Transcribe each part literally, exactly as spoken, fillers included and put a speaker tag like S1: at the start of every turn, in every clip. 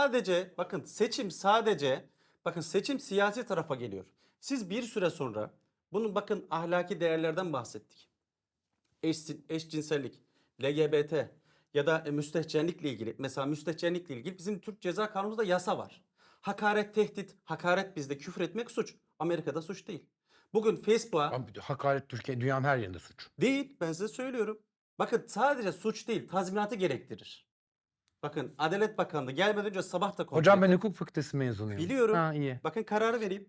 S1: sadece bakın seçim sadece bakın seçim siyasi tarafa geliyor. Siz bir süre sonra bunun bakın ahlaki değerlerden bahsettik. Eş, eşcinsellik, L G B T ya da e, müstehcenlikle ilgili mesela müstehcenlikle ilgili bizim Türk Ceza Kanunumuzda yasa var. Hakaret, tehdit, hakaret bizde küfür etmek suç. Amerika'da suç değil. Bugün Facebook'a
S2: Ama hakaret Türkiye dünyanın her yerinde suç.
S1: değil ben size söylüyorum. Bakın sadece suç değil tazminatı gerektirir. Bakın Adalet Bakanlığı gelmeden önce sabah da kontrol
S2: Hocam ben
S1: ettim.
S2: hukuk fakültesi mezunuyum.
S1: Biliyorum.
S2: Ha iyi.
S1: Bakın kararı vereyim.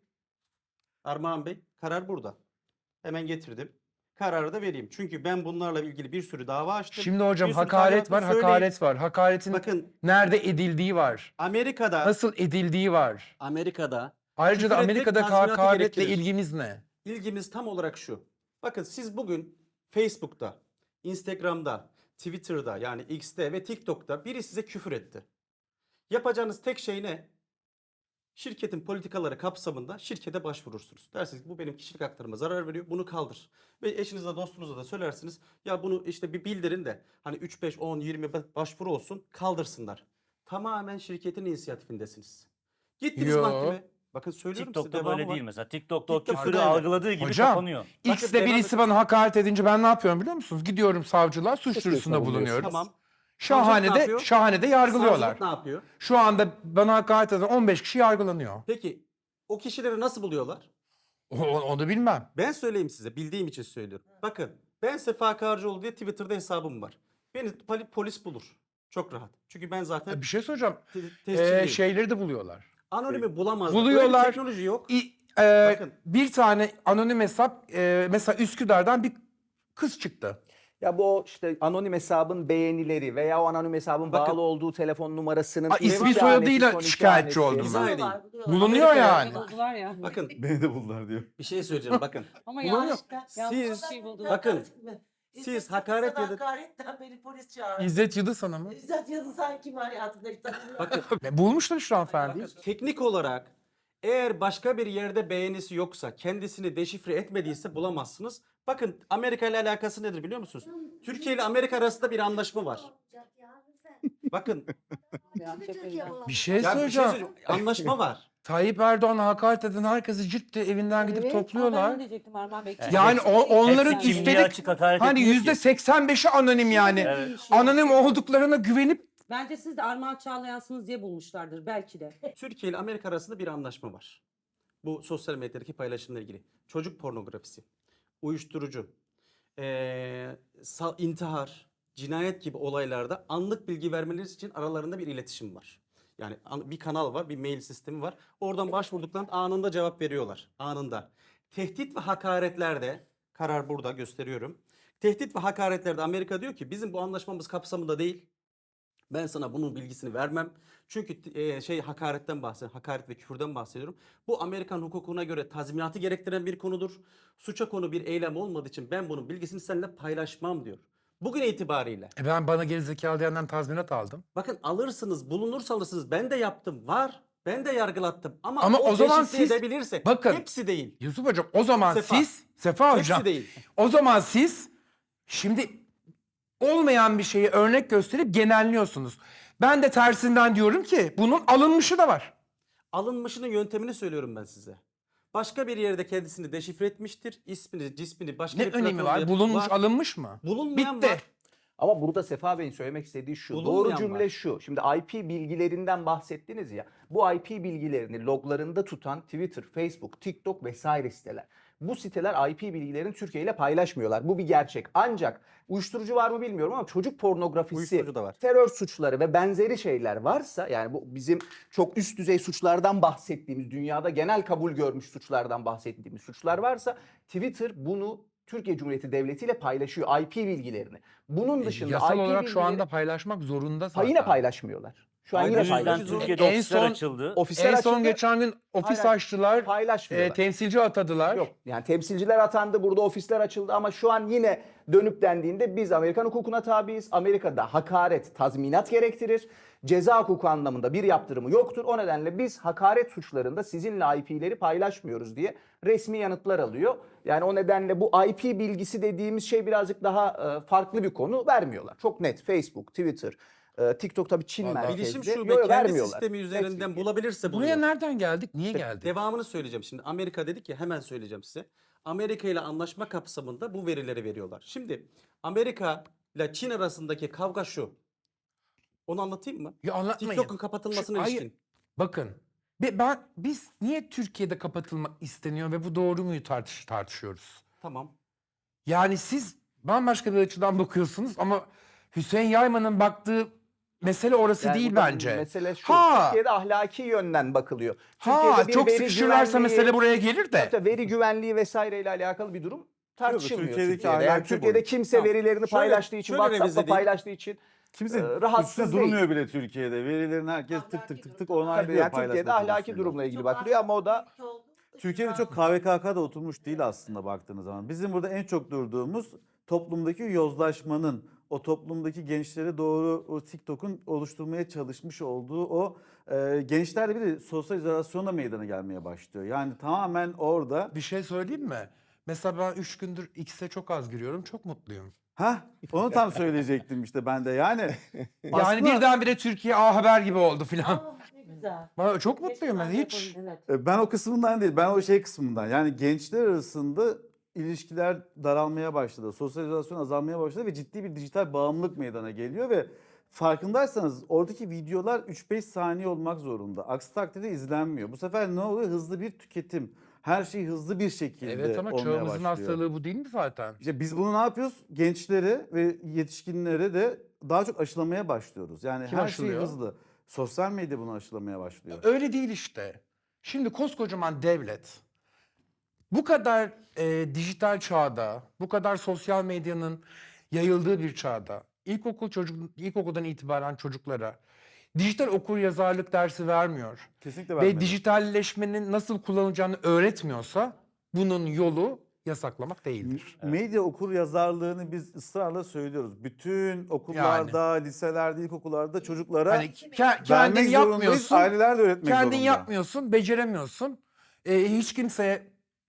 S1: Armağan Bey karar burada. Hemen getirdim. Kararı da vereyim. Çünkü ben bunlarla ilgili bir sürü dava açtım.
S2: Şimdi hocam
S1: Bir sürü
S2: hakaret var,
S1: talimatını söyleyeyim.
S2: hakaret var. Hakaretin
S1: Bakın
S2: nerede edildiği var.
S1: Amerika'da
S2: Nasıl edildiği var.
S1: Amerika'da
S2: Ayrıca da
S1: küfür etmek
S2: Amerika'da
S1: tazminatı
S2: hakaretle
S1: gerektirir.
S2: ilgimiz ne?
S1: İlgimiz tam olarak şu. Bakın siz bugün Facebook'ta, Instagram'da, Twitter'da yani X'te ve TikTok'ta biri size küfür etti. Yapacağınız tek şey ne? Şirketin politikaları kapsamında şirkete başvurursunuz. Dersiniz ki bu benim kişilik haklarıma zarar veriyor. Bunu kaldır. Ve eşinize dostunuza da söylersiniz. Ya bunu işte bir bildirin de hani üç, beş, on, yirmi başvuru olsun kaldırsınlar. Tamamen şirketin inisiyatifindesiniz. Gittiniz
S2: Yo.
S1: mahkemeye. Bakın söylüyorum size
S3: TikTok'ta
S1: devamı
S3: böyle
S1: var.
S3: değil mesela. TikTok'ta o
S1: TikTok'ta
S3: küfürü
S1: öyle.
S3: algıladığı gibi
S2: Hocam,
S3: kapanıyor.
S1: Bakın
S2: X'te
S1: devam
S2: birisi
S1: et-
S2: bana hakaret edince ben ne yapıyorum biliyor musunuz? Gidiyorum savcılığa suç
S4: Suç
S2: duyurusunda
S4: duyurusunda
S2: bulunuyorum.
S1: Tamam.
S2: Şahane'de,
S1: Savcılık ne yapıyor?
S2: şahanede yargılıyorlar.
S1: Savcılık ne yapıyor?
S2: Şu anda bana hakaret eden on beş kişi yargılanıyor.
S1: Peki o kişileri nasıl buluyorlar?
S2: O- o- Onu bilmem.
S1: Ben söyleyeyim size bildiğim için söylüyorum. Bakın ben Sefa Karcıoğlu diye Twitter'da hesabım var. Beni poli- polis bulur. Çok rahat. Çünkü ben zaten
S2: Bir şey soracağım.
S1: te-
S2: Ee,
S1: tescilliyim.
S2: şeyleri de buluyorlar.
S1: Anonimi bulamazlar. Öyle
S2: Buluyorlar.
S1: bir teknoloji yok.
S2: İ- e,
S1: Bakın.
S2: bir tane anonim hesap e, mesela Üsküdar'dan bir kız çıktı.
S4: Ya bu o işte anonim hesabın beğenileri veya o anonim hesabın
S1: Bakın.
S4: bağlı olduğu telefon numarasının
S2: Aa,
S4: ilk
S2: ismi
S4: tanesi,
S2: soyadıyla
S4: son iki
S2: şikayetçi
S4: tanesi.
S2: oldum
S1: İzah
S2: ben.
S1: edeyim.
S2: Bulunuyor
S1: Amerika'ya-
S2: yani.
S5: Buldular ya.
S1: Bakın
S6: Beni de buldular diyor.
S1: bir şey söyleyeceğim bakın.
S5: Ama
S1: Bulunuyor.
S5: yanlış, yanlış
S1: Siz-
S5: bir şey buldular.
S1: bakın,
S7: İzzet
S1: siz
S7: Yıldız'ın
S1: hakaret edin-
S7: hakaretten beni polis çağırdı.
S2: İzzet Yıldız Hanım mı?
S7: İzzet Yıldız sanki kim hayatında hiç tanımıyorum.
S1: Bakın,
S2: E, Bulmuşlar şu an efendim.
S1: bakın teknik olarak eğer başka bir yerde beğenisi yoksa kendisini deşifre etmediyse bulamazsınız. Bakın Amerika ile alakası nedir biliyor musunuz? Türkiye ile Amerika arasında bir anlaşma var. Bakın
S2: Bir şey
S1: ya bir şey
S2: söyleyeceğim.
S1: söyleyeceğim. Anlaşma var.
S2: Tayyip Erdoğan'a hakaret eden herkesi cilt diye evinden gidip
S5: Evet,
S2: topluyorlar.
S5: Ben diyecektim Armağan Bey.
S3: Evet.
S2: Yani o, onların
S3: Hepsi kimliği
S2: üstelik
S3: açık hakaret
S2: hani
S3: etmiyor ki.
S2: yüzde seksen beşi anonim yani.
S3: Evet.
S2: Anonim olduklarına güvenip
S5: Bence siz de Armağan Çağlayan'sınız diye bulmuşlardır belki de.
S1: Türkiye ile Amerika arasında bir anlaşma var. Bu sosyal medyadaki paylaşımla ilgili. Çocuk pornografisi, uyuşturucu, eee, sa- intihar, cinayet gibi olaylarda anlık bilgi vermeleri için aralarında bir iletişim var. Yani an- bir kanal var, bir mail sistemi var. Oradan başvurduklarında anında cevap veriyorlar. Anında. Tehdit ve hakaretlerde, karar burada gösteriyorum. Tehdit ve hakaretlerde Amerika diyor ki bizim bu anlaşmamız kapsamında değil. Ben sana bunun bilgisini vermem. Çünkü e, şey hakaretten bahsediyorum. Hakaret ve küfürden bahsediyorum. Bu Amerikan hukukuna göre tazminatı gerektiren bir konudur. Suça konu bir eylem olmadığı için ben bunun bilgisini seninle paylaşmam diyor. Bugün itibariyle.
S2: e ben bana gerizekalı diyenden tazminat aldım.
S1: Bakın alırsınız, bulunursa alırsınız. Ben de yaptım. Var. Ben de yargılattım. Ama,
S2: Ama o zaman
S1: deşifre
S2: siz-
S1: edebilirsek.
S2: bakın.
S1: Hepsi değil.
S2: Yusuf Hocam o zaman
S1: Sefa.
S2: siz Sefa Hocam
S1: Hepsi değil.
S2: o zaman siz şimdi olmayan bir şeyi örnek gösterip genelliyorsunuz. Ben de tersinden diyorum ki bunun alınmışı da var.
S1: Alınmışının yöntemini söylüyorum ben size. Başka bir yerde kendisini deşifre etmiştir. İsmini, cismini başka
S2: Ne
S1: bir
S2: önemi
S1: platformda
S2: var? Bulunmuş,
S1: var.
S2: alınmış mı?
S1: Bulunmayan
S2: Bitti.
S1: var.
S4: Ama burada Sefa Bey'in söylemek istediği şu.
S1: Bulunmayan
S4: Doğru cümle
S1: var.
S4: şu. Şimdi I P bilgilerinden bahsettiniz ya. Bu I P bilgilerini loglarında tutan Twitter, Facebook, TikTok vesaire siteler. Bu siteler I P bilgilerini Türkiye ile paylaşmıyorlar. Bu bir gerçek. Ancak uyuşturucu var mı bilmiyorum ama çocuk pornografisi,
S1: Uyuşturucu da var.
S4: terör suçları ve benzeri şeyler varsa yani bu bizim çok üst düzey suçlardan bahsettiğimiz, dünyada genel kabul görmüş suçlardan bahsettiğimiz suçlar varsa Twitter bunu Türkiye Cumhuriyeti Devleti ile paylaşıyor I P bilgilerini. Bunun dışında
S2: E, Yasal
S4: I P
S2: olarak şu
S4: bilgileri-
S2: anda paylaşmak zorunda
S4: Ha,
S2: zaten.
S4: yine paylaşmıyorlar. Şu an
S1: Hayır,
S4: yine
S1: bu yüzden
S3: yüzden
S4: paylaşmıyorlar.
S3: Türkiye'de
S2: En
S3: ofisler
S2: son-
S3: açıldı.
S4: Ofisler
S2: En son
S4: açıldı,
S2: geçen gün ofis
S4: Hayır,
S2: açtılar.
S4: paylaşmıyorlar.
S2: E, temsilci atadılar.
S4: Yok yani temsilciler atandı, burada ofisler açıldı ama şu an yine dönüp dendiğinde biz Amerikan hukukuna tabiiz. Amerika'da hakaret tazminat gerektirir. Ceza hukuku anlamında bir yaptırımı yoktur. O nedenle biz hakaret suçlarında sizinle I P'leri paylaşmıyoruz diye resmi yanıtlar alıyor. Yani o nedenle bu I P bilgisi dediğimiz şey birazcık daha e, farklı bir konu vermiyorlar. Çok net Facebook, Twitter, Ee, TikTok tabii Çin
S2: Vallahi
S4: merkezli.
S1: Bilişim
S4: Yo,
S1: şube
S4: yo,
S1: kendi
S4: vermiyorlar.
S1: sistemi üzerinden bulabilirse
S2: Buraya
S1: buluyor.
S2: nereden geldik? Niye geldik?
S1: Devamını söyleyeceğim şimdi. Amerika dedik ya, hemen söyleyeceğim size. Amerika ile anlaşma kapsamında bu verileri veriyorlar. Şimdi Amerika ile Çin arasındaki kavga şu. Onu anlatayım mı?
S2: Ya anlatmayın.
S1: TikTok'un kapatılmasına
S2: Şu- hayır,
S1: ilişkin.
S2: Bakın. be- Ben biz niye Türkiye'de kapatılmak isteniyor ve bu doğru muyu tartış tartışıyoruz.
S1: Tamam.
S2: Yani siz bambaşka bir açıdan bakıyorsunuz ama Hüseyin Yayman'ın baktığı mesele orası
S4: Yani
S2: değil
S4: burada
S2: bence.
S4: Mesele şu.
S2: Ha.
S4: Türkiye'de ahlaki yönden bakılıyor.
S2: Ha,
S4: Türkiye'de bir
S2: çok
S4: veri
S2: sıkışırlarsa
S4: güvenliği-
S2: mesele buraya gelir de.
S4: Tabii tabii, veri güvenliği vesaireyle alakalı bir durum tartışılmıyor
S3: Türkiye'deki
S4: Türkiye'de. Yani
S3: ahlaki
S4: Türkiye'de
S3: boyut.
S4: kimse
S1: Tamam.
S4: verilerini
S1: Şöyle-
S4: paylaştığı için,
S1: şöyle revize
S4: WhatsApp'ta
S1: edeyim.
S4: paylaştığı için
S3: Kimse
S4: e, rahatsız
S3: üstüne
S4: değil.
S3: durmuyor bile Türkiye'de. Verilerin herkes tık tık tık tık
S4: Tabii
S3: onaylıyor
S4: yani
S3: paylaşma
S4: Türkiye'de ahlaki
S3: konusunda.
S4: durumla ilgili
S7: Çok
S4: bakılıyor ama o da
S7: ahlaklı olduğu için
S3: Türkiye'de çok
S7: rahatsız.
S3: K V K K'da oturmuş değil aslında baktığınız zaman. Bizim burada en çok durduğumuz toplumdaki yozlaşmanın, o toplumdaki gençlere doğru o TikTok'un oluşturmaya çalışmış olduğu o e, gençlerde bir de sosyal izolasyonla meydana gelmeye başlıyor. Yani tamamen orada.
S2: Bir şey söyleyeyim mi? Mesela ben üç gündür X'e çok az giriyorum. Çok mutluyum.
S3: Ha, onu tam söyleyecektim işte ben de. Yani
S2: Yani
S3: aslında-
S2: birdenbire Türkiye A Haber gibi oldu filan.
S7: Aa, ne güzel.
S2: Bana çok mutluyum ben
S7: Keşke
S2: hiç.
S7: yapalım, evet.
S3: E, Ben o kısmından değil, ben o şey kısmından. Yani gençler arasında ilişkiler daralmaya başladı, sosyalizasyon azalmaya başladı ve ciddi bir dijital bağımlılık meydana geliyor ve farkındaysanız oradaki videolar üç beş saniye olmak zorunda. Aksi takdirde izlenmiyor. Bu sefer ne oluyor? Hızlı bir tüketim. Her şey hızlı bir şekilde
S2: Evet ama
S3: olmaya
S2: çağımızın
S3: başlıyor.
S2: hastalığı bu değil mi zaten?
S3: İşte biz bunu ne yapıyoruz? Gençlere ve yetişkinlere de daha çok aşılamaya başlıyoruz. Yani
S2: Kim
S3: her
S2: aşılıyor?
S3: şey hızlı. Sosyal medya bunu aşılamaya başlıyor.
S2: Öyle değil işte. Şimdi koskocaman devlet bu kadar e, dijital çağda, bu kadar sosyal medyanın yayıldığı bir çağda ilkokul çocuk ilkokuldan itibaren çocuklara dijital okuryazarlık dersi vermiyor
S3: Kesinlikle
S2: ve
S3: vermeli.
S2: dijitalleşmenin nasıl kullanılacağını öğretmiyorsa bunun yolu yasaklamak değildir.
S3: Medya okur yazarlığını biz ısrarla söylüyoruz. Bütün okullarda, liselerde, ilkokullarda çocuklara
S2: Hani ke-
S3: vermek
S2: kendin
S3: zorundayız.
S2: yapmıyorsun.
S3: Aileler de öğretmek
S2: Kendin
S3: zorunda.
S2: yapmıyorsun, beceremiyorsun. Ee, hiç kimseye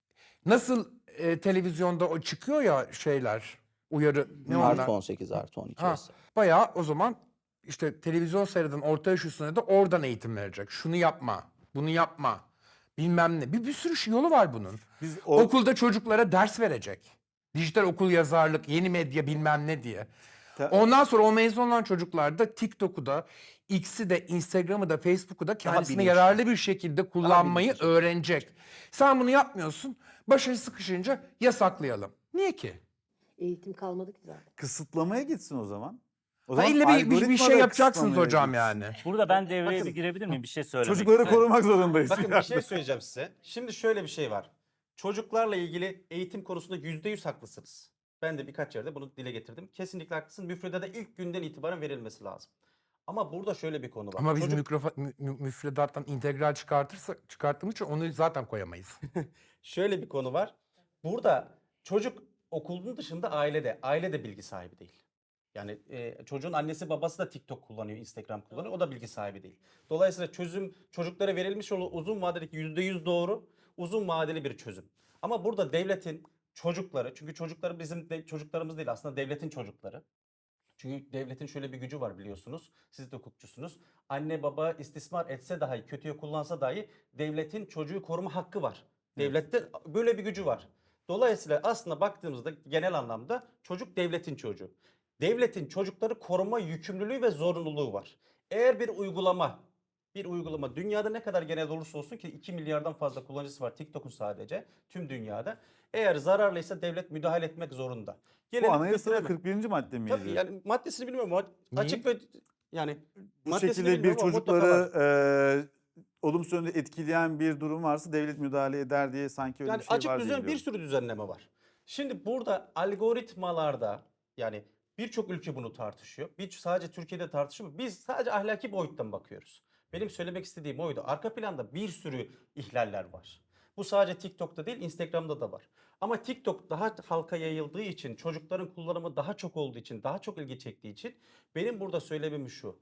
S2: nasıl e, televizyonda o çıkıyor ya şeyler, uyarı ne onlar?
S4: artı on sekiz artı on iki
S2: Ha,
S4: vesaire.
S2: bayağı o zaman işte televizyon seyreden orta yaş üstüne de oradan eğitim verecek. Şunu yapma, bunu yapma, bilmem ne. Bir, bir sürü şey- yolu var bunun.
S3: Biz o,
S2: Okulda çocuklara ders verecek. Dijital okul yazarlık, yeni medya bilmem ne diye.
S3: Ta-
S2: Ondan sonra o mezun olan çocuklar da TikTok'u da, X'i de, Instagram'ı da, Facebook'u da kendisine
S4: bilinçli.
S2: yararlı bir şekilde kullanmayı
S4: bilinçli.
S2: öğrenecek. Sen bunu yapmıyorsun, başarı sıkışınca yasaklayalım. Niye ki?
S5: Eğitim kalmadı ki zaten.
S3: kısıtlamaya gitsin o zaman. O
S2: Ha, ille bir, bir, bir
S3: algoritma
S2: şey
S3: da
S2: yapacaksınız
S3: kısıtlamaya
S2: hocam
S3: gitsin.
S2: yani.
S6: Burada ben devreye
S1: Bakın.
S6: bir girebilir miyim? Bir şey söylemek
S3: Çocukları
S6: istiyorum.
S3: korumak zorundayız.
S1: Bakın bir şey söyleyeceğim size. Şimdi şöyle bir şey var. Çocuklarla ilgili eğitim konusunda yüzde yüz haklısınız. Ben de birkaç yerde bunu dile getirdim. Kesinlikle haklısın. Müfredata ilk günden itibaren verilmesi lazım. Ama burada şöyle bir konu var.
S2: Ama biz
S1: Çocuk-
S2: mikrofa- mü- mü- müfredattan integral çıkartırsak çıkarttığımız için onu zaten koyamayız.
S1: Şöyle bir konu var. Burada çocuk okulun dışında ailede. Aile de bilgi sahibi değil. Yani e, çocuğun annesi babası da TikTok kullanıyor, Instagram kullanıyor. O da bilgi sahibi değil. Dolayısıyla çözüm çocuklara verilmiş olan uzun vadedeki yüzde yüz doğru, uzun vadeli bir çözüm. Ama burada devletin çocukları, çünkü çocukları bizim de, çocuklarımız değil aslında devletin çocukları. Çünkü devletin şöyle bir gücü var biliyorsunuz. Siz de hukukçusunuz. Anne baba istismar etse dahi, kötüye kullansa dahi devletin çocuğu koruma hakkı var. Devlette böyle bir gücü var. Dolayısıyla aslında baktığımızda genel anlamda çocuk devletin çocuğu. Devletin çocukları koruma yükümlülüğü ve zorunluluğu var. Eğer bir uygulama, bir uygulama dünyada ne kadar genel olursa olsun ki iki milyardan fazla kullanıcısı var TikTok'un sadece tüm dünyada. Eğer zararlıysa devlet müdahale etmek zorunda.
S3: Bu
S1: Gelelim
S3: anayasada
S1: fikrime.
S3: kırk birinci madde miydi?
S1: Tabii yani maddesini bilmiyorum ama
S2: Niye?
S1: açık ve yani
S3: Bu
S1: maddesini
S3: şekilde bir
S1: bilmiyorum ama mutlaka
S3: çocukları
S1: var.
S3: e, olumsuz yönde etkileyen bir durum varsa devlet müdahale eder diye sanki öyle
S1: Yani
S3: bir şey
S1: açık
S3: var diye
S1: düzen bir
S3: biliyorum.
S1: sürü düzenleme var. Şimdi burada algoritmalarda yani birçok ülke bunu tartışıyor. Bir sadece Türkiye'de tartışıyor. Biz sadece ahlaki boyuttan bakıyoruz. Benim söylemek istediğim oydu. Arka planda bir sürü ihlaller var. Bu sadece TikTok'ta değil, Instagram'da da var. Ama TikTok daha halka yayıldığı için, çocukların kullanımı daha çok olduğu için, daha çok ilgi çektiği için benim burada söylemem şu.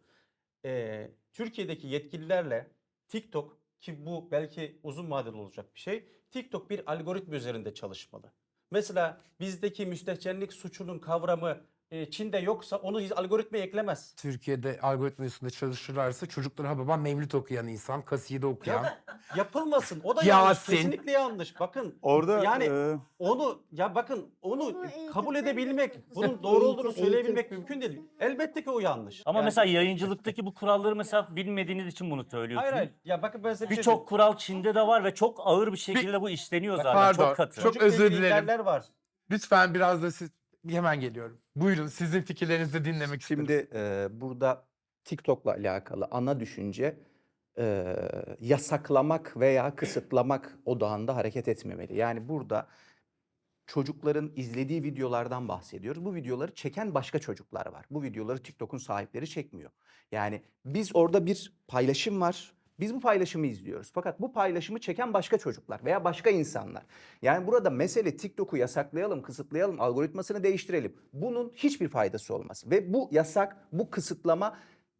S1: Ee, Türkiye'deki yetkililerle TikTok, ki bu belki uzun vadeli olacak bir şey, TikTok bir algoritma üzerinde çalışmalı. Mesela bizdeki müstehcenlik suçunun kavramı e, Çin'de yoksa onu hiç algoritmaya eklemez.
S2: Türkiye'de algoritma üstünde çalışırlarsa çocuklara ha babam Mevlüt okuyan insan, kaside okuyan.
S1: Yapılmasın. O da yanlış.
S2: Yasin.
S1: Kesinlikle yanlış. Bakın
S3: Orada
S1: yani
S3: e,
S1: onu ya bakın onu
S8: Onu eğitim
S1: kabul
S8: vermek
S1: edebilmek,
S8: lazım.
S1: bunun doğru olduğunu
S8: Eğitim,
S1: söyleyebilmek
S8: eğitim.
S1: mümkün değil. Elbette ki o yanlış.
S6: Ama
S1: Yani-
S6: mesela yayıncılıktaki bu kuralları mesela bilmediğiniz için bunu söylüyorsunuz.
S1: hayır hayır. Ya bakın ben size bir şey
S6: Birçok kural Çin'de de var ve çok ağır bir şekilde bu işleniyor zaten.
S2: Pardon,
S6: Çok katı.
S2: çok
S1: Çocukla
S2: özür
S1: ilgili
S2: dilerim.
S1: ihlaller var.
S2: Lütfen biraz da siz hemen geliyorum. Buyurun sizin fikirlerinizi de dinlemek istedim.
S4: Şimdi e, burada TikTok'la alakalı ana düşünce e, yasaklamak veya kısıtlamak odağında hareket etmemeli. Yani burada çocukların izlediği videolardan bahsediyoruz. Bu videoları çeken başka çocuklar var. Bu videoları TikTok'un sahipleri çekmiyor. Yani biz orada bir paylaşım var. Biz bu paylaşımı izliyoruz. Fakat bu paylaşımı çeken başka çocuklar veya başka insanlar. Yani burada mesele TikTok'u yasaklayalım, kısıtlayalım, algoritmasını değiştirelim. Bunun hiçbir faydası olmaz. Ve bu yasak, bu kısıtlama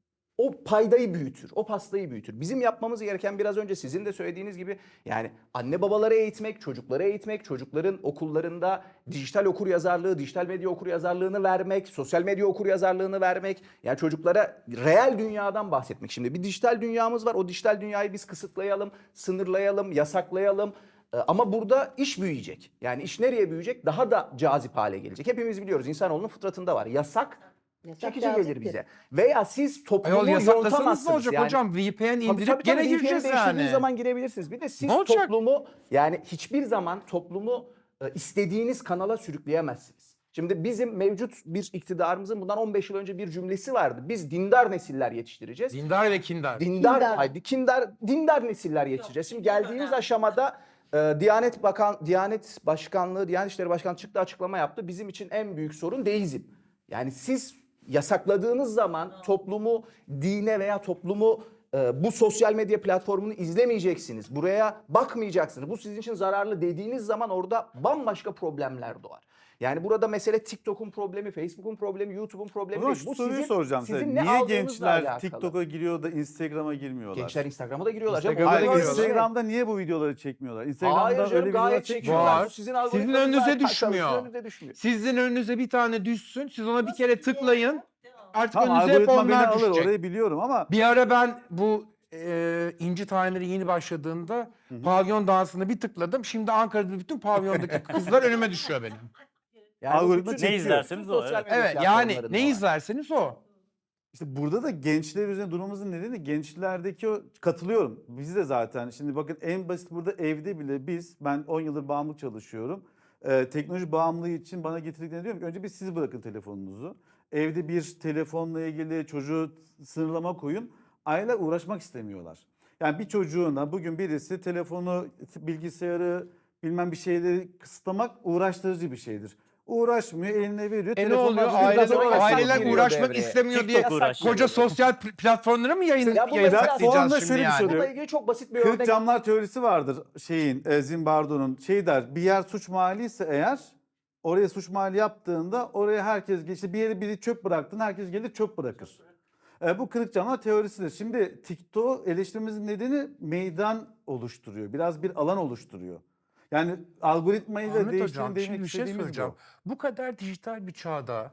S4: o paydayı büyütür, o pastayı büyütür. Bizim yapmamız gereken biraz önce sizin de söylediğiniz gibi yani anne babaları eğitmek, çocukları eğitmek, çocukların okullarında dijital okuryazarlığı, dijital medya okuryazarlığını vermek, sosyal medya okuryazarlığını vermek. Yani çocuklara reel dünyadan bahsetmek. Şimdi bir dijital dünyamız var. O dijital dünyayı biz kısıtlayalım, sınırlayalım, yasaklayalım. Ee, Ama burada iş büyüyecek. Yani iş nereye büyüyecek? Daha da cazip hale gelecek. Hepimiz biliyoruz insanoğlunun fıtratında var. Yasak
S8: Yasak
S4: çekici gelir
S8: caziptir.
S4: bize. Veya siz toplumu
S2: Ayol yasaklasanız
S4: yontamazsınız.
S2: ne olacak
S4: yani.
S2: hocam? V P N
S4: Tabii,
S2: indirip
S4: tabii,
S2: gene
S4: tabii, V P N
S2: gireceğiz
S4: değiştirdiğiniz
S2: yani.
S4: zaman girebilirsiniz. Bir de siz
S2: Ne olacak?
S4: toplumu yani hiçbir zaman toplumu e, istediğiniz kanala sürükleyemezsiniz. Şimdi bizim mevcut bir iktidarımızın bundan on beş yıl önce bir cümlesi vardı. Biz dindar nesiller yetiştireceğiz.
S2: Dindar ve kindar.
S4: Dindar,
S8: Dindar.
S4: haydi kindar, dindar nesiller yetiştireceğiz. Şimdi geldiğimiz aşamada e, Diyanet Bakan, Diyanet Başkanlığı, Diyanet İşleri Başkanlığı çıktı açıklama yaptı. Bizim için en büyük sorun deizm. Yani siz yasakladığınız zaman toplumu dine veya toplumu e, bu sosyal medya platformunu izlemeyeceksiniz. Buraya bakmayacaksınız. Bu sizin için zararlı dediğiniz zaman orada bambaşka problemler doğar. Yani burada mesele TikTok'un problemi, Facebook'un problemi, YouTube'un
S3: o
S4: problemi
S3: zaman
S4: değil.
S3: şu
S4: Bu
S3: soruyu
S4: sizin,
S3: soracağım
S4: sizin
S3: size.
S4: ne
S3: Niye
S4: aldığınızla
S3: gençler
S4: alakalı.
S3: TikTok'a giriyor da Instagram'a girmiyorlar?
S4: Gençler Instagram'a da giriyorlar. canım.
S2: Instagram'a da
S4: Onlar
S3: Hayır,
S2: giriyorlar.
S3: Instagram'da niye bu videoları çekmiyorlar? Instagram'da
S4: Hayır
S3: öyle
S4: canım
S3: videolar
S4: gayet
S3: çekmiyorlar.
S4: çekiyorlar.
S2: Var.
S4: Bu Sizin,
S2: Sizin
S4: algoritmanız
S2: önünüze
S4: zaten
S2: düşmüyor.
S4: çalışıyor, önünüze düşmüyor.
S2: Sizin önünüze bir tane düşsün. Siz ona bir kere tıklayın. Artık
S3: Tamam,
S2: önünüze hep
S3: algoritma beni
S2: onlar
S3: alır,
S2: düşecek.
S3: orayı biliyorum ama
S2: Bir ara ben bu e, İnci Taneleri yeni başladığında pavyon dansına bir tıkladım. Şimdi Ankara'da bütün pavyondaki kızlar önüme düşüyor benim.
S4: Yani bu
S3: Algoritma
S4: bütün-
S6: Ne
S3: çekiyor.
S6: izlerseniz o.
S4: Sosyal
S6: Evet.
S4: medya
S2: Evet yani
S4: platformlarında
S2: ne
S4: var.
S2: izlerseniz o.
S3: İşte burada da gençler üzerine durmamızın nedeni gençlerdeki o katılıyorum. Biz de zaten şimdi bakın en basit burada evde bile biz ben on yıldır bağımlı çalışıyorum. Ee, teknoloji bağımlılığı için bana getirdiklerini diyorum ki önce bir siz bırakın telefonunuzu. Evde bir telefonla ilgili çocuğu sınırlama koyun. Aileler uğraşmak istemiyorlar. Yani bir çocuğuna bugün birisi telefonu, bilgisayarı bilmem bir şeyleri kısıtlamak uğraştırıcı bir şeydir. Uğraşmıyor, eline veriyor.
S2: E ne
S3: telefonla
S2: oluyor?
S3: bugün
S4: Aileler-
S3: gazoz
S2: Aileler,
S4: yasak
S2: aileler
S4: giriyor
S2: uğraşmak
S4: devreye.
S2: istemiyor diye
S6: TikTok uğraşıyor.
S2: koca sosyal pl- platformlara mı yayın
S4: Ya bu
S2: yasaklayacağız
S3: platformda
S2: şimdi
S3: şöyle bir
S2: yani?
S3: şey
S4: Bununla
S3: oluyor.
S4: ilgili çok basit bir
S3: Kırık
S4: örnek.
S3: camlar teorisi vardır şeyin e, Zimbardo'nun. Şey der bir yer suç mahalli ise eğer oraya suç mahalli yaptığında oraya herkes işte bir yere biri çöp bıraktın herkes gelir çöp bırakır. E, bu kırık camlar teorisidir. Şimdi TikTok eleştirimizin nedeni meydan oluşturuyor. Biraz bir alan oluşturuyor. Yani algoritmayı da
S2: Ahmet
S3: değiştirin
S2: Hocam
S3: demek
S2: şimdi bir şey
S3: istediğimiz
S2: söyleyeceğim.
S3: bu.
S2: Bu kadar dijital bir çağda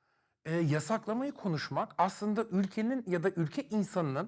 S2: e, yasaklamayı konuşmak aslında ülkenin ya da ülke insanının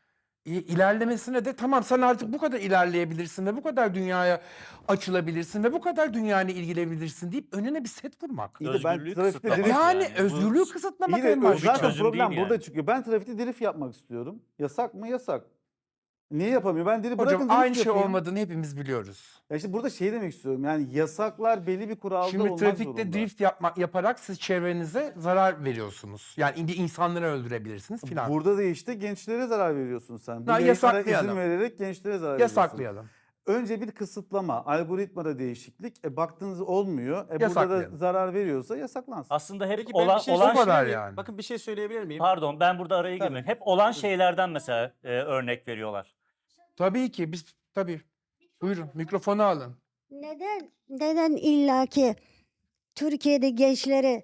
S2: e, ilerlemesine de tamam sen artık bu kadar ilerleyebilirsin ve bu kadar dünyaya açılabilirsin ve bu kadar dünyayla ilgilenebilirsin deyip önüne bir set vurmak.
S3: İyi de ben
S6: Özgürlüğü
S3: trafikte
S6: kısıtlamak
S3: drift-
S2: Yani
S6: Bu-
S2: özgürlüğü kısıtlamak
S3: İyi de
S2: en
S3: o
S2: başta.
S3: zaten
S6: çözüm
S3: problem
S6: değil
S3: burada
S6: yani.
S3: çıkıyor. Ben trafikte drift yapmak istiyorum. Yasak mı? Yasak. Niye yapamıyor? Ben drift bırakın
S2: Hocam
S3: drift
S2: aynı şey
S3: yapayım.
S2: olmadığını hepimiz biliyoruz.
S3: Ya işte burada şey demek istiyorum. Yani yasaklar belli bir kuralda
S2: Şimdi
S3: olmak
S2: trafikte
S3: zorunda.
S2: drift yapmak yaparak siz çevrenize zarar veriyorsunuz. Yani bir insanları öldürebilirsiniz filan.
S3: Burada da işte gençlere zarar veriyorsun sen. Bu
S2: Ya
S3: yayınlara
S2: yasaklayalım.
S3: izin vererek gençlere zarar veriyorsun.
S2: Yasaklayalım.
S3: Önce bir kısıtlama, algoritmada değişiklik. E baktığınız olmuyor. E burada da
S2: Yasaklayalım.
S3: zarar veriyorsa yasaklansın.
S6: Aslında hep
S1: Peki ben
S6: olan,
S1: bir şey
S6: olan
S2: O kadar
S1: söyleyebilir miyim?
S2: yani.
S1: Bakın bir şey söyleyebilir miyim?
S6: Pardon ben burada araya
S1: Tabii.
S6: girmiyorum. Hep olan şeylerden mesela e, örnek veriyorlar.
S2: Tabii ki biz tabii. Buyurun mikrofonu alın.
S8: Neden neden illaki Türkiye'de gençleri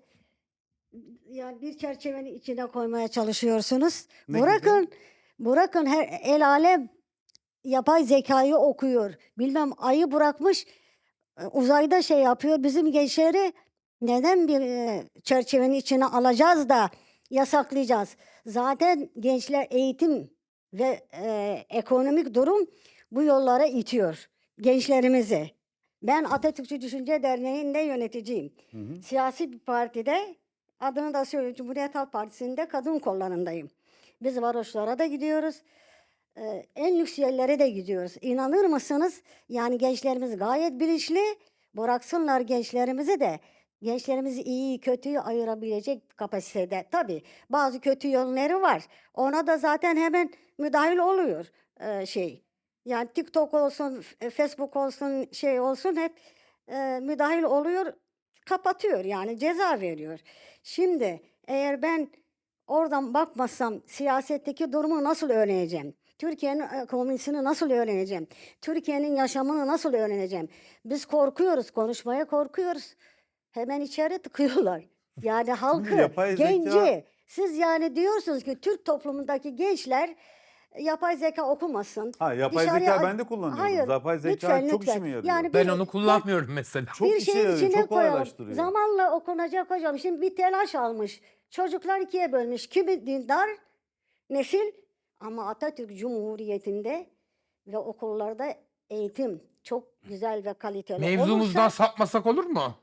S8: yani bir çerçevenin içine koymaya çalışıyorsunuz?
S3: Ne
S8: bırakın bırakın her el alem yapay zekayı okuyor. Bilmem ayı bırakmış e, uzayda şey yapıyor. Bizim gençleri neden bir e, çerçevenin içine alacağız da yasaklayacağız? Zaten gençler eğitim ve e, ekonomik durum bu yollara itiyor gençlerimizi. Ben Atatürkçü Düşünce Derneği'nde yöneticiyim. Siyasi bir partide, adını da söylüyorum, Cumhuriyet Halk Partisi'nde kadın kollarındayım. Biz varoşlara da gidiyoruz. Ee, en lüks yerlere de gidiyoruz. İnanır mısınız? Yani gençlerimiz gayet bilinçli. Bıraksınlar gençlerimizi de. Gençlerimizi iyi kötüyü ayırabilecek kapasitede. Tabii bazı kötü yönleri var. Ona da zaten hemen müdahil oluyor ee, şey. Yani TikTok olsun, f- Facebook olsun, şey olsun hep e, müdahil oluyor, kapatıyor yani ceza veriyor. Şimdi eğer ben oradan bakmazsam siyasetteki durumu nasıl öğreneceğim? Türkiye'nin ekonomisini nasıl öğreneceğim? Türkiye'nin yaşamını nasıl öğreneceğim? Biz korkuyoruz, konuşmaya korkuyoruz. Hemen içeri tıkıyorlar. Yani halkı,
S3: yapay zeka-
S8: genci. Siz yani diyorsunuz ki Türk toplumundaki gençler yapay zeka okumasın.
S3: Ha, yapay
S8: Dışarıya-
S3: zeka ben de kullanıyorum.
S8: Hayır,
S3: Yapay zeka
S8: lütfen,
S3: çok
S8: lütfen.
S3: işime yarıyor.
S8: Yani
S2: Ben
S8: bir-
S2: onu kullanmıyorum mesela.
S3: Çok
S8: bir
S3: işe
S8: şeyin
S3: yarıyor,
S8: içine
S3: çok
S8: koyalım.
S3: kolaylaştırıyor.
S8: Zamanla okunacak hocam. Şimdi bir telaş almış. Çocuklar ikiye bölmüş. Kimi dindar nesil ama Atatürk Cumhuriyeti'nde ve okullarda eğitim çok güzel ve kaliteli
S2: Mevzumuzdan
S8: olursa,
S2: sapmasak olur mu?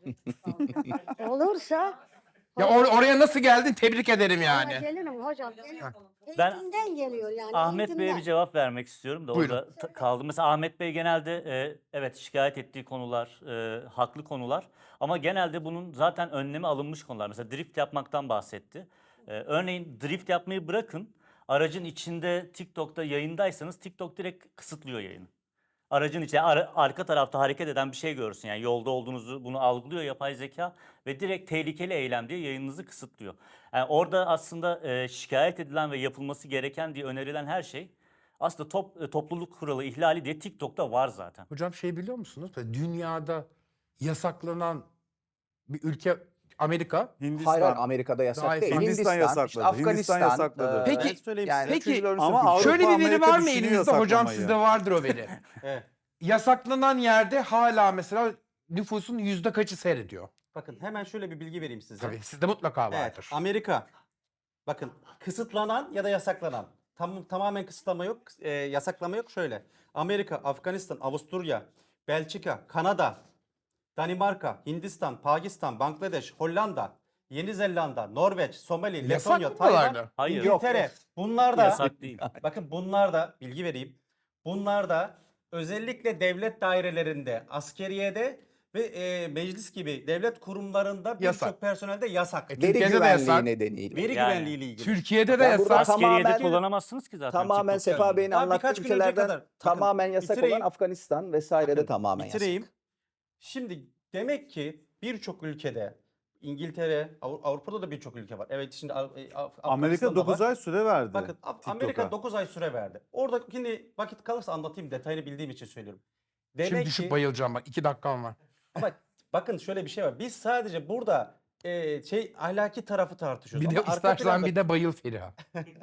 S8: olursa
S2: Ya or- oraya nasıl geldin? Tebrik ederim
S8: Ama
S2: yani.
S8: gelirim hocam. gelirim.
S6: Ben-
S8: Eğitimden geliyor yani.
S6: Ahmet Bey'e
S8: eğitimden.
S6: bir cevap vermek istiyorum da
S2: Buyurun.
S6: orada ta- kaldım. Mesela Ahmet Bey genelde e, evet şikayet ettiği konular e, haklı konular ama genelde bunun zaten önlemi alınmış konular. Mesela drift yapmaktan bahsetti. E, örneğin drift yapmayı bırakın, aracın içinde TikTok'ta yayındaysanız TikTok direkt kısıtlıyor yayını. Aracın içinde ara- arka tarafta hareket eden bir şey görürsün. Yani yolda olduğunuzu bunu algılıyor yapay zeka ve direkt tehlikeli eylem diye yayınınızı kısıtlıyor. Yani orada aslında e, şikayet edilen ve yapılması gereken diye önerilen her şey aslında top, e, topluluk kuralı ihlali diye TikTok'ta var zaten.
S2: Hocam şey biliyor musunuz? Böyle dünyada yasaklanan bir ülke Amerika.
S3: Hindistan.
S4: Hayır, hayır, Amerika'da yasak
S2: Gayet
S4: değil.
S3: Hindistan
S4: Hindistan,
S3: yasakladı.
S4: işte Afganistan.
S3: Hindistan yasakladı.
S2: Peki-
S1: Ben söyleyeyim
S4: yani
S1: size.
S2: Peki,
S4: üçüncüler arasında
S3: ama
S4: kültür.
S3: Avrupa,
S2: Şöyle bir veri
S3: Amerika
S2: var mı
S3: düşünüyor
S2: elinizde hocam?
S3: yasaklamayı.
S2: Sizde vardır o veri.
S1: Evet.
S2: Yasaklanan yerde hala mesela nüfusun yüzde kaçı seyrediyor?
S1: Bakın hemen şöyle bir bilgi vereyim size.
S2: Tabii sizde mutlaka
S1: Evet,
S2: vardır.
S1: Amerika. Bakın kısıtlanan ya da yasaklanan. Tam, tamamen kısıtlama yok, e, yasaklama yok. Şöyle. Amerika, Afganistan, Avusturya, Belçika, Kanada, Danimarka, Hindistan, Pakistan, Bangladeş, Hollanda, Yeni Zelanda, Norveç, Somali,
S2: Yasak
S1: Letonya,
S2: mı
S1: Tayvan,
S2: buralarda?
S6: Hayır.
S1: İngiltere. Bunlar da
S6: Yasak değil.
S1: bakın bunlar da bilgi vereyim. Bunlar da özellikle devlet dairelerinde, askeriyede ve e, meclis gibi devlet kurumlarında
S2: Yasak.
S1: birçok personelde yasak.
S2: E,
S4: Veri
S2: Türkiye'de de
S4: güvenliği
S2: yasak.
S4: nedeniyle.
S1: Veri
S6: Yani.
S1: güvenliği ile ilgili.
S2: Türkiye'de de
S4: Ben burada
S2: yasak.
S6: Askeriyede
S4: tamamen-
S6: kullanamazsınız ki zaten.
S4: Tamamen
S6: TikTok
S4: Sefa
S6: yani.
S4: Bey'in
S1: Daha
S4: anlattığı
S1: birkaç gün önce
S4: ülkelerden
S1: kadar- bakın,
S4: tamamen yasak
S1: bitireyim.
S4: olan Afganistan vesaire de
S1: Bakın,
S4: tamamen
S1: bitireyim.
S4: yasak.
S1: Şimdi demek ki birçok ülkede İngiltere, Avru- Avrupa'da da birçok ülke var. Evet şimdi Av- e, Af-
S3: Amerika
S1: Afganistan'da
S3: dokuz
S1: var.
S3: ay süre verdi.
S1: Bakın Af-
S3: TikTok'a.
S1: Amerika dokuz ay süre verdi. Orada şimdi vakit kalırsa anlatayım, detayını bildiğim için söylüyorum. Demek
S2: Şimdi düşüp
S1: ki
S2: bayılacağım bak. iki dakikam var.
S1: ama bakın şöyle bir şey var. Biz sadece burada e, şey ahlaki tarafı tartışıyoruz.
S2: Bir de
S1: Ama arka
S2: istersen
S1: planda
S2: bir de bayıl Feriha.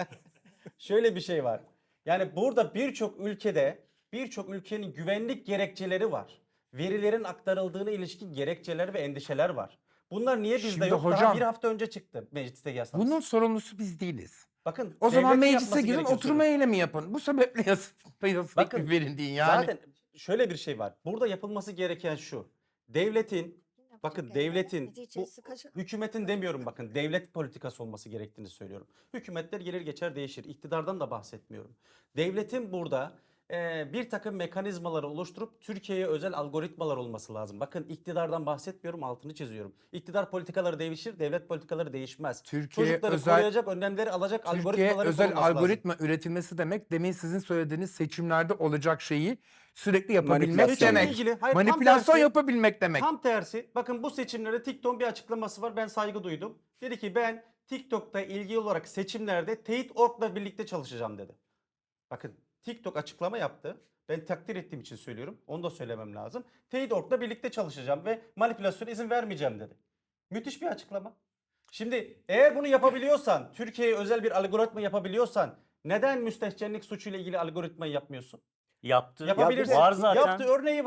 S1: şöyle bir şey var. Yani burada birçok ülkede birçok ülkenin güvenlik gerekçeleri var. Verilerin aktarıldığına ilişkin gerekçeler ve endişeler var. Bunlar niye bizde
S2: Şimdi
S1: yok? Daha
S2: hocam,
S1: bir hafta önce çıktı mecliste yasaması.
S2: Bunun sorumlusu biz değiliz.
S1: Bakın
S2: O zaman
S1: devletin
S2: meclise
S1: yapması
S2: girin
S1: gerekiyor
S2: oturma
S1: söylüyorum.
S2: eylemi yapın. Bu sebeple yasa, yasa
S1: Bakın,
S2: hükmü verin deyin yani.
S1: Zaten şöyle bir şey var. Burada yapılması gereken şu. Devletin bakın devletin bu hükümetin demiyorum bakın devlet politikası olması gerektiğini söylüyorum. Hükümetler gelir geçer değişir. İktidardan da bahsetmiyorum. Devletin burada e, bir takım mekanizmaları oluşturup Türkiye'ye özel algoritmalar olması lazım. Bakın iktidardan bahsetmiyorum, altını çiziyorum. İktidar politikaları değişir, devlet politikaları değişmez.
S2: Türkiye
S1: Çocukları
S2: özel-
S1: koruyacak, önlemleri alacak
S2: Türkiye
S1: algoritmaların
S2: özel
S1: kurulması lazım.
S2: algoritma üretilmesi demek demin sizin söylediğiniz seçimlerde olacak şeyi sürekli yapabilmek
S4: Manipülasyon.
S2: demek.
S1: İlgili- hayır, tam
S2: Manipülasyon
S1: tersi.
S2: yapabilmek demek.
S1: Tam tersi. Bakın bu seçimlerde TikTok'un bir açıklaması var. Ben saygı duydum. Dedi ki ben TikTok'ta ilgili olarak seçimlerde Teyit nokta org'la birlikte çalışacağım dedi. Bakın TikTok açıklama yaptı. Ben takdir ettiğim için söylüyorum. Onu da söylemem lazım. Teyit nokta org'la birlikte çalışacağım ve manipülasyona izin vermeyeceğim dedi. Müthiş bir açıklama. Şimdi eğer bunu yapabiliyorsan, Türkiye'ye özel bir algoritma yapabiliyorsan neden müstehcenlik suçuyla ilgili algoritmayı yapmıyorsun?
S6: Yaptı.
S1: Yapabilirsin.
S6: Var zaten.
S1: Yaptı, örneği var.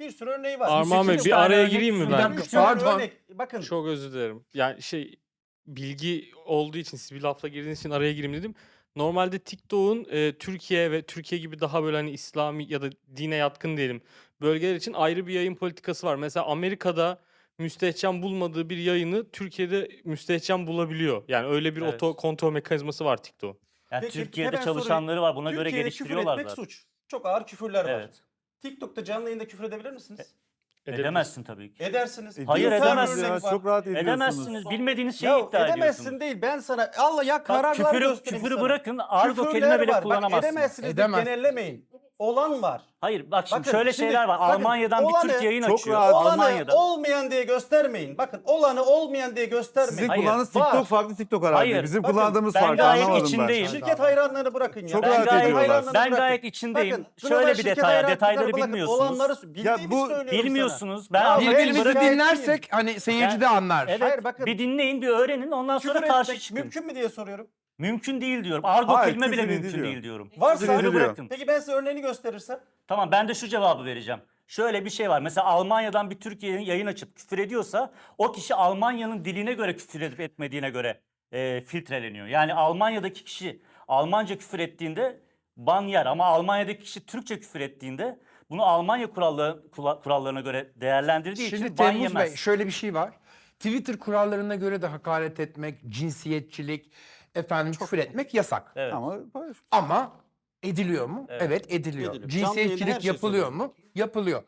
S1: Bir sürü örneği var.
S9: Armağan Bey
S6: sekiz
S9: bir
S6: tane
S9: araya
S6: örnek
S9: gireyim mi
S2: Bir
S9: ben?
S2: dakika,
S1: Bir sürü
S2: pardon.
S1: örnek. Bakın
S9: Çok özür dilerim. Yani şey bilgi olduğu için siz bir lafla girdiğiniz için araya gireyim dedim. Normalde TikTok'un e, Türkiye ve Türkiye gibi daha böyle hani İslami ya da dine yatkın diyelim bölgeler için ayrı bir yayın politikası var. Mesela Amerika'da müstehcen bulmadığı bir yayını Türkiye'de müstehcen bulabiliyor. Yani öyle bir
S6: Evet.
S9: oto kontrol mekanizması var TikTok.
S6: Yani
S1: Peki,
S6: Türkiye'de
S1: hemen
S6: çalışanları var. Buna göre
S1: Türkiye'de
S6: geliştiriyorlar
S1: küfür etmek
S6: zaten.
S1: suç. Çok ağır küfürler var.
S6: Evet.
S1: TikTok'ta canlı yayında küfür edebilir misiniz?
S6: Edemezsin tabii ki.
S1: Edersiniz.
S6: Hayır,
S1: Bir tane
S6: edemezsiniz.
S1: örnek var.
S3: Çok rahat ediyorsunuz.
S6: Edemezsiniz. Bilmediğiniz şeyi
S1: Ya
S6: iddia
S1: edemezsin
S6: ediyorsunuz.
S1: değil. Ben sana Allah ya
S6: Bak,
S1: kararlar
S6: küfürü,
S1: göstereyim
S6: küfürü
S1: sana.
S6: bırakın. Argo
S1: Küfürler
S6: kelime bile
S1: var. Bak,
S6: kullanamazsınız.
S1: edemezsiniz de
S2: Edemez.
S1: genellemeyin. Olan var.
S6: Hayır bak şimdi
S1: Bakın,
S6: şöyle
S1: şimdi
S6: şeyler var.
S1: bakın,
S6: Almanya'dan
S1: olanı
S6: bir Türk yayın
S3: çok
S6: açıyor.
S3: rahat-
S1: Olanı
S6: Almanya'da.
S1: olmayan diye göstermeyin. Bakın olanı olmayan diye göstermeyin.
S3: Sizin
S6: Hayır,
S3: kullandığınız
S1: var.
S3: TikTok farklı TikTok herhalde.
S6: Hayır,
S3: Bizim
S1: bakın,
S3: kullandığımız
S6: ben
S3: farklı
S6: gayet
S3: anlamadım
S6: içindeyim.
S3: ben.
S1: Şirket hayranlarını bırakın ya.
S3: Çok
S6: Ben
S3: rahat
S6: gayet,
S3: ediyorlar.
S1: hayranlarını
S6: ben
S1: bırakın.
S6: gayet içindeyim.
S1: Bakın,
S6: Şöyle
S1: global
S6: bir
S1: şirket
S6: detay,
S1: hayranları
S6: detayları
S1: bırakın.
S6: bilmiyorsunuz.
S1: Olanları bildiğimi
S3: bu-
S1: söylüyorum
S6: Bilmiyorsunuz.
S1: sana.
S6: Ben
S1: Ya
S6: anlatayım,
S2: Birbirimizi
S6: bırakın.
S1: şikayetçiyim.
S2: dinlersek hani seyirci de anlar.
S6: Evet,
S1: Hayır, bakın.
S6: bir dinleyin, bir öğrenin, ondan sonra
S1: Küfür
S6: karşı
S1: etmek
S6: çıkın.
S1: mümkün mü diye soruyorum.
S6: Mümkün değil diyorum. Argo
S3: Hayır,
S6: kelime bile
S3: küfür
S6: mümkün
S3: ediliyor.
S6: değil diyorum.
S1: Varsa
S6: Küfürü bırakın.
S1: peki ben size örneğini gösterirsem?
S6: Tamam ben de şu cevabı vereceğim. Şöyle bir şey var. Mesela Almanya'dan bir Türkiye'nin yayın açıp küfür ediyorsa o kişi Almanya'nın diline göre küfür edip etmediğine göre e, filtreleniyor. Yani Almanya'daki kişi Almanca küfür ettiğinde ban yer ama Almanya'daki kişi Türkçe küfür ettiğinde bunu Almanya kuralları, kula- kurallarına göre değerlendirdiği
S2: Şimdi
S6: için ban
S2: Temmuz
S6: yemez.
S2: Bey şöyle bir şey var. Twitter kurallarına göre de hakaret etmek, cinsiyetçilik, efendim küfür etmek yasak.
S6: Evet.
S3: Ama paylaş-
S2: Ama ediliyor mu?
S6: Evet.
S2: Evet, ediliyor.
S1: Ediliyor. Canlı yayında her
S2: Cinsiyetçilik
S1: şey
S2: yapılıyor
S1: söyleniyor.
S2: mu? Yapılıyor.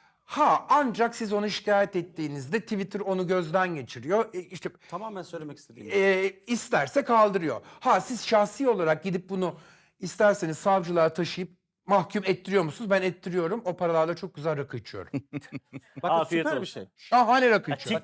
S2: Ha ancak siz onu şikayet ettiğinizde Twitter onu gözden geçiriyor. E, işte
S1: Tamamen söylemek istediğim.
S2: e, isterse kaldırıyor. Ha siz şahsi olarak gidip bunu isterseniz savcılığa taşıyıp mahkum ettiriyor musunuz? Ben ettiriyorum. O paralarla çok güzel rakı içiyorum.
S1: Bakın
S6: Afiyet
S1: süper bir
S6: olsun.
S1: şey.
S2: Şahane rakı
S6: Ya
S2: içiyorum.